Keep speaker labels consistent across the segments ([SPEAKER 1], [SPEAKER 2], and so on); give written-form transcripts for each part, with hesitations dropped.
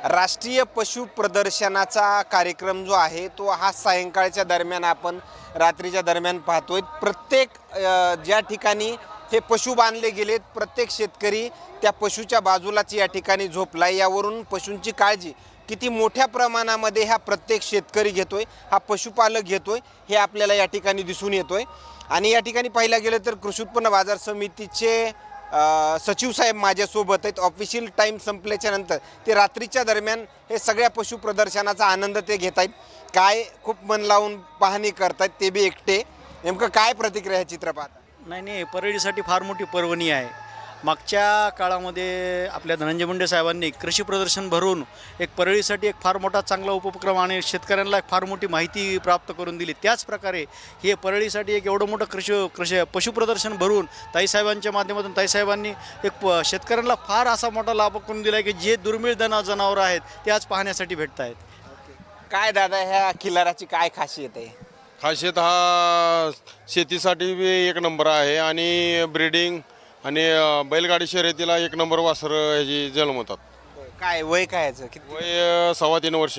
[SPEAKER 1] राष्ट्रीय पशु प्रदर्शनाचा कार्यक्रम जो आहे तो हा सायंकाळच्या दरम्यान आपण रात्रीच्या दरम्यान पाहतोय। प्रत्येक ज्या ठिकाणी हे पशु बांधले गेलेत प्रत्येक शेतकरी त्या पशुच्या बाजूलाच या ठिकाणी झोपलाय। यावरून पशुंची काळजी किती मोठ्या प्रमाणामध्ये हा प्रत्येक शेतकरी घेतोय, हा पशुपालक घेतोय हे आपल्याला या ठिकाणी दिसून येतोय। आणि या ठिकाणी पाहिलं गेलं तर कृषी उत्पन्न बाजार समितीचे सचिव साहेब माझ्यासोबत आहेत। ऑफिशियल टाईम संपल्याच्या नंतर ते रात्रीच्या दरम्यान हे सगळ्या पशु प्रदर्शनाचा आनंद ते घेत आहेत। काय खूप मन लावून पाहणी करतात ते बी एकटे। नेमकं काय प्रतिक्रिया आहे चित्रपटात?
[SPEAKER 2] नाही, परळीसाठी फार मोठी पर्वणी आहे। मागच्या काळामध्ये आपल्या धनंजय मुंडे साहेबांनी कृषी प्रदर्शन भरून एक परळीसाठी एक फार मोठा चांगला उपक्रम आणि शेतकऱ्यांना एक फार मोठी माहिती प्राप्त करून दिली। त्याच प्रकारे हे परळीसाठी एक एवढं मोठं कृषी पशुप्रदर्शन भरून ताईसाहेबांच्या माध्यमातून ताईसाहेबांनी एक शेतकऱ्यांना फार असा मोठा लाभ करून दिला आहे की जे दुर्मिळ जनावरं आहेत ते आज पाहण्यासाठी भेटत आहेत।
[SPEAKER 1] काय दादा ह्या खिल्लाराची काय खासियत आहे?
[SPEAKER 3] खासियत हा शेतीसाठी बी एक नंबर आहे आणि ब्रीडिंग आणि बैलगाडी शर्यतीला एक नंबर वासर ह्याची जन्मतात।
[SPEAKER 1] काय वय काय याचं? किती
[SPEAKER 3] वय 3.25 वर्ष।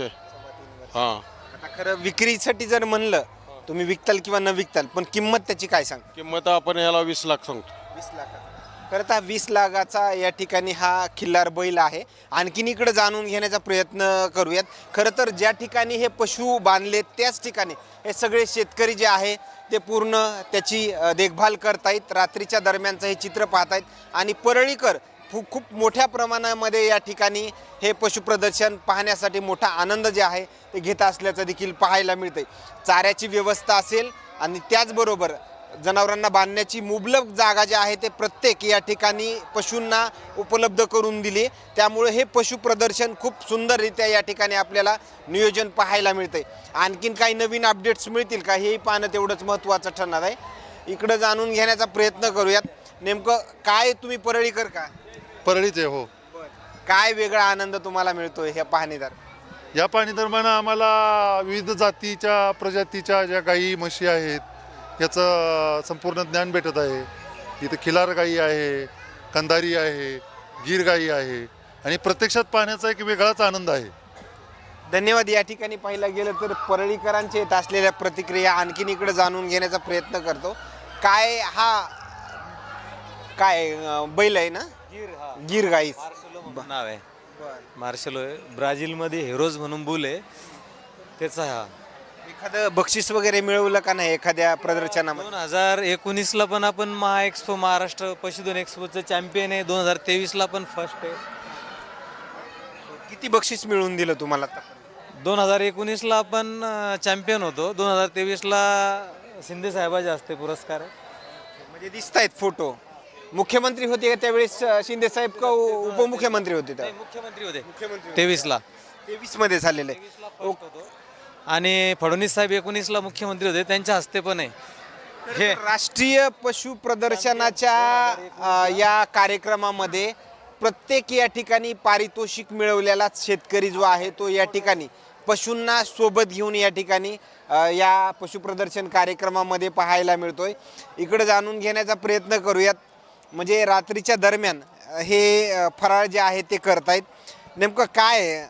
[SPEAKER 3] हां,
[SPEAKER 1] आता खरं विक्रीसाठी जर म्हणलं तुम्ही विकताल किंवा न विकताल, पण किंमत त्याची काय सांग?
[SPEAKER 3] किंमत आपण ह्याला 20 लाख सांगतो।
[SPEAKER 1] 20 लाख। खरं तर 20 लाखाचा या ठिकाणी हा खिल्लार बैल आहे। आणखीन इकडे जाणून घेण्याचा प्रयत्न करूयात। खरं तर ज्या ठिकाणी हे पशु बांधले त्याच ठिकाणी हे सगळे शेतकरी जे आहे ते पूर्ण त्याची देखभाल करतायत। रात्रीच्या दरम्यानचं हे चित्र पाहतायत आणि परळीकर खूप मोठ्या प्रमाणामध्ये या ठिकाणी हे पशुप्रदर्शन पाहण्यासाठी मोठा आनंद जे आहे ते घेत असल्याचं देखील पाहायला मिळतंय। चाऱ्याची व्यवस्था असेल आणि त्याचबरोबर जनावरांना बांधण्याची मुबलक जागा जी आहे ते प्रत्येक या ठिकाणी पशूंना उपलब्ध करून दिली। त्यामुळे हे पशुप्रदर्शन खूप सुंदररित्या या ठिकाणी आपल्याला नियोजन पाहायला मिळतंय। आणखीन काही नवीन अपडेट्स मिळतील का हेही पाहणं तेवढंच महत्त्वाचं ठरणार आहे। इकडं जाणून घेण्याचा प्रयत्न करूयात। नेमकं काय तुम्ही परळीकर का?
[SPEAKER 4] परळीच आहे हो।
[SPEAKER 1] काय वेगळा आनंद तुम्हाला मिळतोय ह्या पाहणीदार?
[SPEAKER 4] या पाणी दरम्यान आम्हाला विविध जातीच्या प्रजातीच्या ज्या गाई म्हशी आहेत याचं संपूर्ण ज्ञान भेटत आहे। इथं खिलार गाई आहे, कंधारी आहे, गीर गाई आहे आणि प्रत्यक्षात पाहण्याचा एक वेगळाच आनंद आहे।
[SPEAKER 1] धन्यवाद। या ठिकाणी पाहिलं गेलं तर परळीकरांचे येत असलेल्या प्रतिक्रिया आणखीन इकडे जाणून घेण्याचा प्रयत्न करतो। काय हा काय बैल आहे ना? गीर गाई
[SPEAKER 5] नाव आहे मार्शलो आहे। ब्राझीलमध्ये हेरोज म्हणून बुल आहे त्याचा। हा
[SPEAKER 1] एखादं बक्षीस वगैरे मिळवलं का नाही एखाद्या प्रदर्शनामध्ये?
[SPEAKER 5] 2019ला पण आपण महाएक्सपो महाराष्ट्र पशुधन एक्सपोचं चॅम्पियन आहे। 2023ला पण फर्स्ट आहे।
[SPEAKER 1] किती बक्षीस मिळवून दिलं तुम्हाला?
[SPEAKER 5] 2019ला आपण चॅम्पियन होतो। 2023ला शिंदे साहेबाचे हस्ते पुरस्कार आहे।
[SPEAKER 1] म्हणजे दिसत आहेत फोटो। मुख्यमंत्री होते का त्यावेळेस शिंदे साहेब का उपमुख्यमंत्री होते? त्या
[SPEAKER 5] मुख्यमंत्री होते 23ला
[SPEAKER 1] 23 मध्ये झालेलं आहे।
[SPEAKER 5] आणि फडणवीस साहेब 19ला मुख्यमंत्री होते, त्यांच्या हस्ते पण आहे हे।
[SPEAKER 1] राष्ट्रीय पशु प्रदर्शनाच्या या कार्यक्रमामध्ये प्रत्येक या ठिकाणी पारितोषिक मिळवलेला शेतकरी जो आहे तो या ठिकाणी पशूंना सोबत घेऊन या ठिकाणी या पशुप्रदर्शन कार्यक्रमामध्ये पाहायला मिळतोय। इकडे जाणून घेण्याचा प्रयत्न करूयात। म्हणजे रात्रीच्या दरम्यान हे फराळ जे आहे ते करतायत। नेमकं काय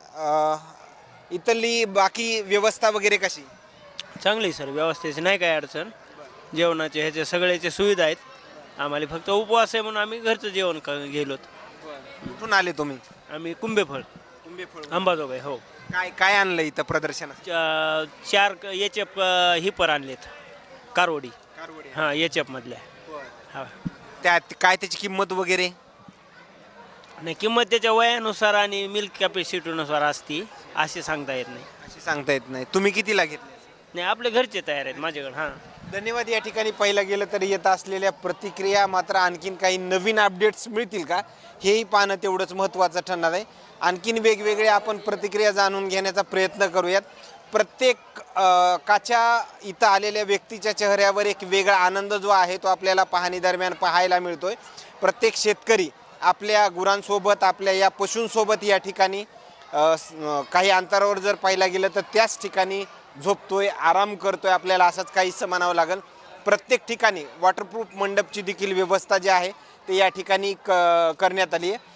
[SPEAKER 1] इथली बाकी व्यवस्था वगैरे कशी?
[SPEAKER 6] चांगली सर, व्यवस्थेची नाही काय अडचण। जेवणाचे ह्याचे सगळ्याचे सुविधा आहेत। आम्हाला फक्त उपवास आहे म्हणून आम्ही घरचं जेवण गेलोत।
[SPEAKER 1] कुठून आले तुम्ही?
[SPEAKER 6] आम्ही कुंभेफळ अंबाजोगाई। हो।
[SPEAKER 1] काय काय आणलं इथं प्रदर्शनात?
[SPEAKER 6] 4 एचएफ हिपर आणलेत कारवडी। हां, एचएफ मधल्या। हा,
[SPEAKER 1] त्यात काय त्याची किंमत वगैरे?
[SPEAKER 6] नाही, किंमत त्याच्या वयानुसार आणि मिल्क कॅपॅसिटीनुसार असती, असे सांगता येत नाही।
[SPEAKER 1] अशी सांगता येत नाही। तुम्ही कितीला घेतले?
[SPEAKER 6] नाही, आपले घरचे तयार आहेत माझ्याकडे। हां,
[SPEAKER 1] धन्यवाद। या ठिकाणी पाहिलं गेलं तर येत असलेल्या प्रतिक्रिया मात्र आणखीन काही नवीन अपडेट्स मिळतील का हेही पाहणं तेवढंच महत्त्वाचं ठरणार आहे। आणखीन वेगवेगळे आपण प्रतिक्रिया जाणून घेण्याचा प्रयत्न करूयात। प्रत्येक काच्या इथं आलेल्या व्यक्तीच्या चेहऱ्यावर एक वेगळा आनंद जो आहे तो आपल्याला पाहणी दरम्यान पाहायला मिळतोय। प्रत्येक शेतकरी आपल्या गुरांसोबत आपल्या या पशूंसोबत या ठिकाणी काही अंतरावर जर पाहिलं गेलं तर त्याच ठिकाणी झोपतोय, आराम करतोय, आपल्याला असंच काहीसं म्हणावं लागेल। प्रत्येक ठिकाणी वॉटरप्रूफ मंडपची देखील व्यवस्था जी आहे ते या ठिकाणी करण्यात आली आहे।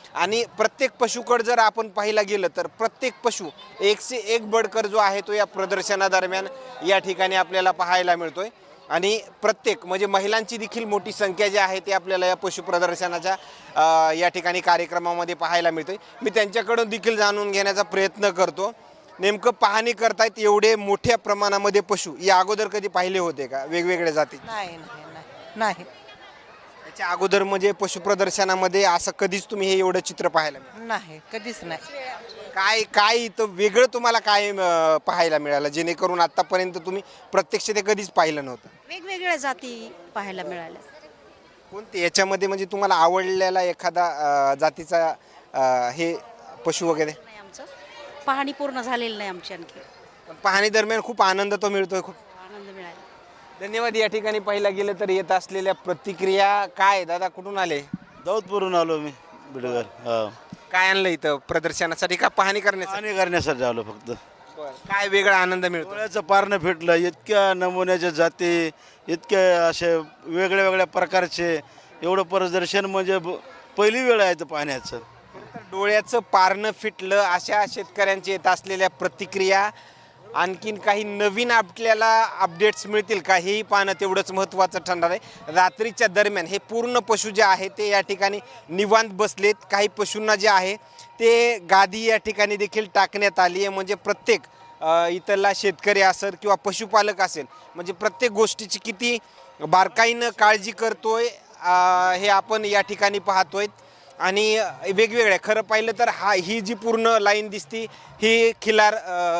[SPEAKER 1] आणि प्रत्येक पशुकड जर आपण पाहायला गेलं तर प्रत्येक पशु एक से एक बडकर जो आहे तो या प्रदर्शनादरम्यान या ठिकाणी आपल्याला पाहायला मिळतोय आणि प्रत्येक म्हणजे महिलांची देखील मोठी संख्या जी आहे ती आपल्याला या पशु प्रदर्शनाच्या या ठिकाणी कार्यक्रमामध्ये पाहायला मिळते. मी त्यांच्याकडून देखील जाणून घेण्याचा प्रयत्न करतो. नेमकं पाहणी करतायत एवढे मोठ्या प्रमाणामध्ये पशु या अगोदर कधी पाहिले होते का वेगवेगळ्या जाती?
[SPEAKER 7] नाही.
[SPEAKER 1] त्याच्या अगोदर म्हणजे पशु प्रदर्शनामध्ये असं कधीच तुम्ही हे एवढं चित्र पाहायला मिळालं?
[SPEAKER 7] नाही कधीच नाही.
[SPEAKER 1] काय काय इथं वेगळं तुम्हाला काय पाहायला मिळालं जेणेकरून आतापर्यंत तुम्ही प्रत्यक्ष ते कधीच पाहिलं नव्हतं?
[SPEAKER 8] वेगवेगळ्या जाती पाहायला मिळाल्या.
[SPEAKER 1] कोणते याच्यामध्ये म्हणजे तुम्हाला आवडलेला एखादा जातीचा हे पशु वगैरे?
[SPEAKER 8] नाही, आमचं पाहणी पूर्ण झालेली नाही आमची आणखी.
[SPEAKER 1] पण पाहणी दरम्यान खूप आनंद तो मिळतोय. खूप
[SPEAKER 8] आनंद मिळाला.
[SPEAKER 1] धन्यवाद. या ठिकाणी पाहिला गेलं तर येत असलेल्या प्रतिक्रिया काय? दादा कुठून आले?
[SPEAKER 9] दाऊदपूरून आलो मी बिडगर. हा,
[SPEAKER 1] काय आणलं इथं प्रदर्शनासाठी का पाहणी करण्यासाठी?
[SPEAKER 9] पाणी करण्यासाठी आलो फक्त.
[SPEAKER 1] काय वेगळा आनंद मिळतो?
[SPEAKER 9] डोळ्याचं पारणं फिटलं. इतक्या नमुन्याच्या जाती, इतक्या असे वेगळ्या वेगळ्या प्रकारचे, एवढं प्रदर्शन म्हणजे पहिली वेळ आहे इथं पाहण्याचं.
[SPEAKER 1] तर डोळ्याचं पारणं फिटलं अशा शेतकऱ्यांची येत असलेल्या प्रतिक्रिया. आणखीन काही नवीन आपल्याला अपडेट्स मिळतील का हेही पाहणं तेवढंच महत्त्वाचं ठरणार आहे. रात्रीच्या दरम्यान हे पूर्ण पशु जे आहे ते या ठिकाणी निवांत बसलेत. काही पशूंना जे आहे ते गादी या ठिकाणी देखील टाकण्यात आली आहे. म्हणजे प्रत्येक इथला शेतकरी असेल किंवा पशुपालक असेल म्हणजे प्रत्येक गोष्टीची किती बारकाईनं काळजी करतोय हे आपण या ठिकाणी पाहतोय. आणि वेगवेगळ्या खरं पाहिलं तर ही जी पूर्ण लाईन दिसती ही खिलार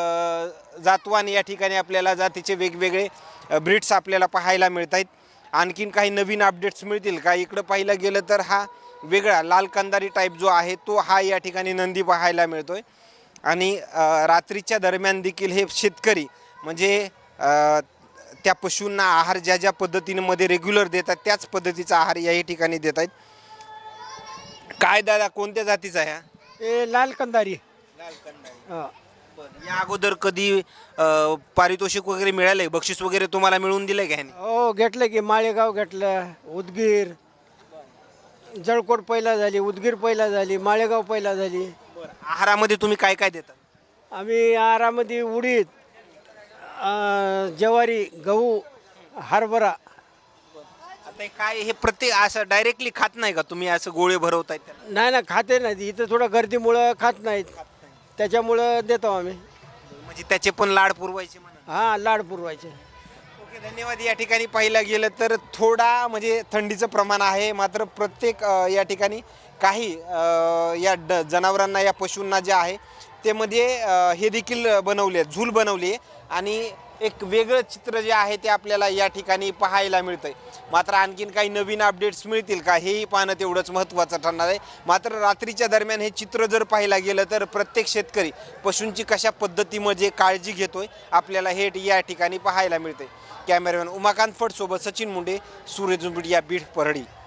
[SPEAKER 1] जातवान या ठिकाणी आपल्याला जातीचे वेगवेगळे ब्रीड्स आपल्याला पाहायला मिळत आहेत. आणखीन काही नवीन अपडेट्स मिळतील का? इकडं पाहिलं गेलं तर हा वेगळा लाल कंदारी टाईप जो आहे तो हा या ठिकाणी नंदी पाहायला मिळतोय. आणि रात्रीच्या दरम्यान देखील हे शेतकरी म्हणजे त्या पशूंना आहार ज्या ज्या पद्धतीमध्ये रेग्युलर देतात त्याच पद्धतीचा आहार याही ठिकाणी देत आहेत. काय दादा कोणत्या जातीचा आहे?
[SPEAKER 10] हे लाल कंदारी.
[SPEAKER 1] या अगोदर कधी पारितोषिक वगैरे मिळालंय? बक्षीस वगैरे तुम्हाला मिळून दिलंय का ह्याने?
[SPEAKER 10] हो घेतलं की माळेगाव घेतलं, उदगीर, जळकोट पहिला झाली, उदगीर पहिला झाली, माळेगाव पहिला झाली.
[SPEAKER 1] आहारामध्ये तुम्ही काय काय देता?
[SPEAKER 10] आम्ही आहारामध्ये उडीद, ज्वारी, गहू, हरभरा.
[SPEAKER 1] आता काय हे प्रत्येक असं डायरेक्टली खात नाही का तुम्ही? असं गोळे भरवतायत त्याला?
[SPEAKER 10] नाही ना, खाते नाही. इथं थोडं गर्दीमुळं खात नाहीत, त्याच्यामुळं देतो आम्ही.
[SPEAKER 1] म्हणजे त्याचे पण लाड पुरवायचे म्हणून?
[SPEAKER 10] हां, लाड पुरवायचे.
[SPEAKER 1] ओके, धन्यवाद. या ठिकाणी पाहिलं गेलं तर थोडा म्हणजे थंडीचं प्रमाण आहे. मात्र प्रत्येक या ठिकाणी काही या जनावरांना या पशूंना जे आहे ते मध्ये हे देखील बनवले आहेत, झूल बनवली आहे आणि एक वेगळं चित्र जे आहे ते आपल्याला या ठिकाणी पाहायला मिळतंय. मात्र आणखीन काही नवीन अपडेट्स मिळतील का हेही पाहणं तेवढंच महत्त्वाचं ठरणार आहे. मात्र रात्रीच्या दरम्यान हे चित्र जर पाहायला गेलं तर प्रत्येक शेतकरी पशूंची कशा पद्धतीमध्ये काळजी घेतोय आपल्याला हे या ठिकाणी पाहायला मिळते. कॅमेरामॅन उमाकांत फड सोबत सचिन मुंडे, सूर्यझुंबडी या बीड परळी.